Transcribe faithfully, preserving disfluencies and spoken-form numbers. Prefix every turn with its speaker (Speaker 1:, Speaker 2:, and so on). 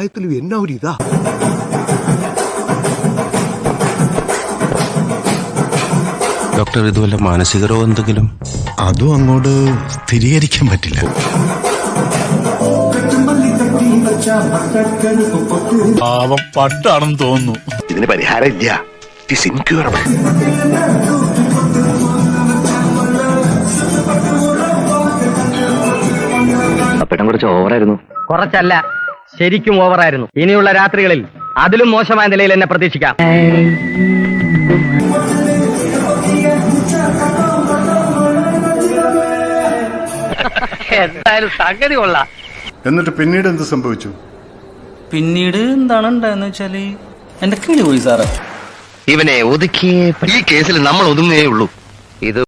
Speaker 1: പ്രായത്തിലും എന്നാ ഒരു ഇതാ.
Speaker 2: ഡോക്ടർ, ഇതുവല്ല മാനസിക രോഗം എന്തെങ്കിലും?
Speaker 3: അതും അങ്ങോട്ട് സ്ഥിരീകരിക്കാൻ പറ്റില്ല.
Speaker 4: പാവം പട്ടാണെന്ന് തോന്നുന്നു.
Speaker 1: ഇതിന് പരിഹാരം ഇല്ല. It's incurable.
Speaker 5: അപ്പേട്ടൻ കുറച്ച് ഓവറായിരുന്നു.
Speaker 6: കുറച്ചല്ല, ശരിക്കും ഓവറായിരുന്നു. ഇനിയുള്ള രാത്രികളിൽ അതിലും മോശമായ നിലയിൽ എന്നെ പ്രതീക്ഷിക്കാം. എന്തായാലും സംഗതി കൊള്ളാം.
Speaker 7: എന്നിട്ട് പിന്നീട് എന്ത് സംഭവിച്ചു?
Speaker 8: പിന്നീട് എന്താണ് ഉണ്ടായെന്ന് വെച്ചാല് എന്റെ കിളി പോയി സാറേ.
Speaker 5: ഇവനെ ഒതുക്കിയേ ഈ കേസിൽ നമ്മൾ ഒതുങ്ങുകയേ ഉള്ളൂ. ഇത്